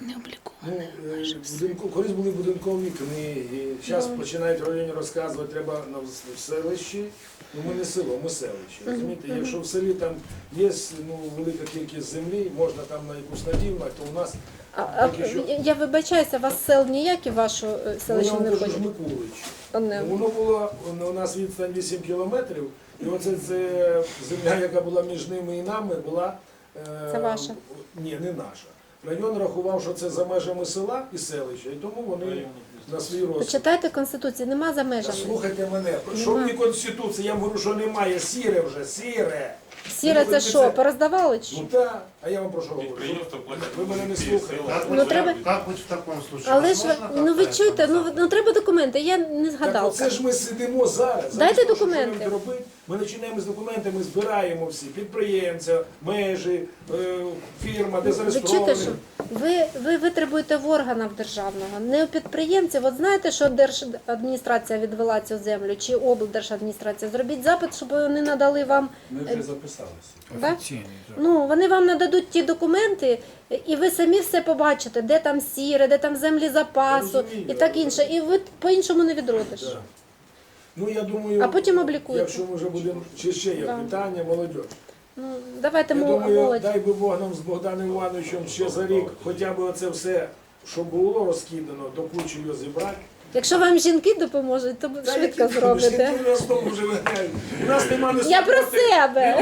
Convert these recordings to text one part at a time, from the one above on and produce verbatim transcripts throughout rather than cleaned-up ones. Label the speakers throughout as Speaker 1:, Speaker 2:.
Speaker 1: Не обліковане.
Speaker 2: Ну, е, будинку, колись були будинкові книги, зараз починають в районі розказувати, треба на в селищі. Ну, ми не село, ми селище. Розумієте, якщо в селі там є ну, велика кількість землі, можна там на якусь надівнати, то у нас
Speaker 3: А, а,
Speaker 2: поки що...
Speaker 3: я вибачаюся, у вас сел ніякі в вашу е,
Speaker 2: Ну,
Speaker 3: селище
Speaker 2: я
Speaker 3: не
Speaker 2: вам кажу,
Speaker 3: входять?
Speaker 2: Жмикулич.
Speaker 3: Одне.
Speaker 2: Воно було, у нас відстань вісім кілометрів, і оце це земля, яка була між ними і нами, була... е,
Speaker 3: Це ваша?
Speaker 2: Ні, не наша. Район рахував, що це за межами села і селища, і тому вони на свій розсуд.
Speaker 3: Почитайте Конституцію, нема за
Speaker 2: Та
Speaker 3: межами.
Speaker 2: слухайте мене, що
Speaker 3: Нема.
Speaker 2: мені Конституція, я вам говорю, що немає, сіре вже, сіре.
Speaker 3: Сіре
Speaker 2: Ну,
Speaker 3: це
Speaker 2: ви
Speaker 3: що, пороздавали чи?
Speaker 2: Ну так, а я вам про що говорю? Ви мене не слухаєте.
Speaker 3: Ну, треба-
Speaker 4: Как быть в таком случае?
Speaker 3: Але ж ви,
Speaker 4: Возможно,
Speaker 3: ну ви
Speaker 4: как-то
Speaker 3: чуєте, ну,
Speaker 4: это
Speaker 3: ну треба документи, я не
Speaker 2: Так
Speaker 3: згадала.
Speaker 2: оце ж ми сидимо зараз.
Speaker 3: Дайте
Speaker 2: Замість того,
Speaker 3: документи.
Speaker 2: що будемо робити, ми починаємо з документами, збираємо всі, підприємця, межі, е, фірма, де
Speaker 3: Ви чуєте,
Speaker 2: зареєстровані.
Speaker 3: що ви, ви витребуєте в органів державного, не у підприємців. От знаєте, що держадміністрація відвела цю землю, чи облдержадміністрація? Зробіть запит, щоб вони надали вам.
Speaker 5: Ми вже записалися.
Speaker 3: Да?
Speaker 5: Офіційно. так.
Speaker 3: Ну, вони вам нададуть ті документи, і ви самі все побачите, де там сіре, де там землі запасу
Speaker 2: Я розумію,
Speaker 3: і так інше. І ви по-іншому не відродиш.
Speaker 2: Да. Ну, я думаю,
Speaker 3: А потім облікуєте.
Speaker 2: якщо ми вже будемо, чи ще є
Speaker 3: Да.
Speaker 2: питання, молодь.
Speaker 3: Ну, давайте
Speaker 2: Я
Speaker 3: мо-
Speaker 2: думаю,
Speaker 3: молодь.
Speaker 2: дай би Бог нам з Богданом Івановичем ще за рік, хоча б оце все, що було розкидано, до кучі його зібрати.
Speaker 3: Якщо вам жінки допоможуть, то
Speaker 2: Та
Speaker 3: швидко
Speaker 2: які
Speaker 3: зробите.
Speaker 2: жінки в нас знову вже вигають. У нас нема не
Speaker 3: Я про себе.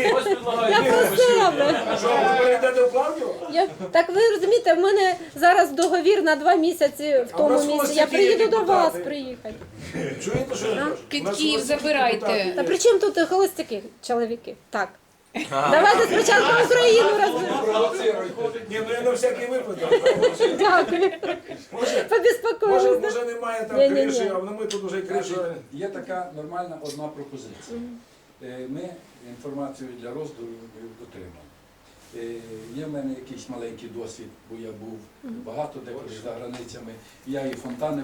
Speaker 3: Я про себе.
Speaker 2: Що, ви перейдете в Клавдію?
Speaker 3: Я, так ви розумієте, в мене зараз договір на два місяці в
Speaker 2: А в
Speaker 3: тому
Speaker 2: нас
Speaker 3: місці.
Speaker 2: ось
Speaker 3: Я
Speaker 2: такі
Speaker 3: приїду до вас
Speaker 2: депутати.
Speaker 3: приїхати.
Speaker 2: Чуєте, що я кажу? У нас
Speaker 1: Китків
Speaker 2: ось такі
Speaker 1: забирайте.
Speaker 2: депутати є.
Speaker 3: Та при чому тут холостяки, чоловіки? Так. Давайте спочатку Україну розберемо.
Speaker 2: Ні, ну я на всякий випадок.
Speaker 3: Дякую.
Speaker 2: Може, може,
Speaker 3: Побіспокоїлися.
Speaker 2: може немає там
Speaker 3: Ні-ні-ні.
Speaker 2: криші, а ми тут вже кришу.
Speaker 5: Є така нормальна одна пропозиція. Е, Ми інформацію для роздору отримали. Е, Є в мене якийсь маленький досвід, бо я був багато де за границями. Я і фонтани